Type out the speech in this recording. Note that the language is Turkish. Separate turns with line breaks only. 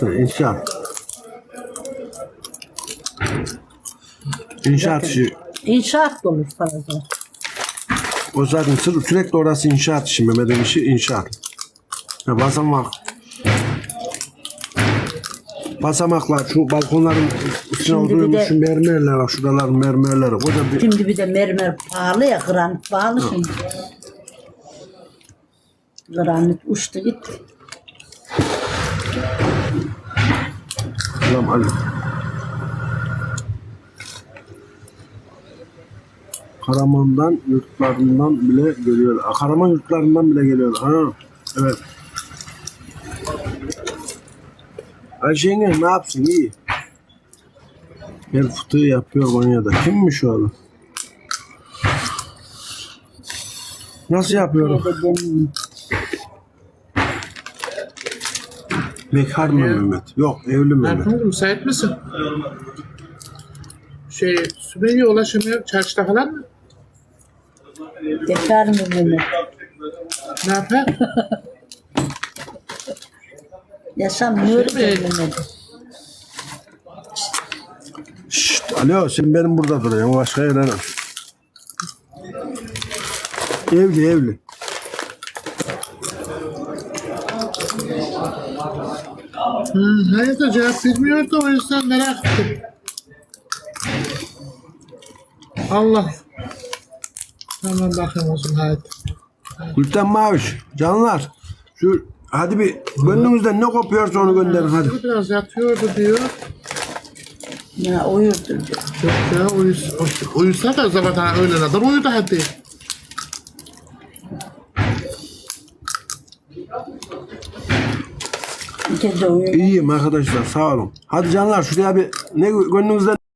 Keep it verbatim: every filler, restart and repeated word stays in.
zaten inşaat. İnşaat işi.
İnşaat da olur fazla.
O zaten sır- sürekli orası inşaat işi. Mehmet'in işi inşaat. Ya basamak. Basamaklar, şu balkonların üstüne
Şimdi bir
oturmuş
de-
şu mermerler var. Şuraların mermerleri. Koca bir...
Şimdi bir de mermer pahalı ya, granit pahalı şimdi. Granit uçtu gitti.
Selam Ali. Karaman'dan yurtlarından bile geliyor. Aa, Karaman yurtlarından bile geliyor. Ha, evet. Ayşe yenge ne yapsın? İyi. Gel fıtığı yapıyor Konya'da. Kimmiş o adam? Nasıl yapıyorum?
Bir de benim-
Bekar mı Mehmet? Yok, evli Mehmet.
Erkan müsait misin? Şey, Sümeyye ulaşamıyor çarşıda falan mı?
Bekar mı Mehmet?
Ne yapar?
Yaşamıyor
Şey mi?
Mehmet.
Şşt, alo, sen benim burada duruyorsun. Başka yere. Evli, evli.
Hmm, hayır da cevap vermiyor da o yüzden merak ettim. Allah. Tamam bakayım o zaman hadi.
Gülten Maviş, canlar. Şu hadi bir gönlünüzden ne kopuyorsa onu gönderin hadi.
Bu biraz yatıyordu diyor.
Ya uyurdu diyor.
Yok ya uyus, uyusa da zaten öğlene kadar uyudu hadi.
Gece uyuyor.
İyiyim arkadaşlar, sağ olun. Hadi canlar şuraya bir ne gönlünüzden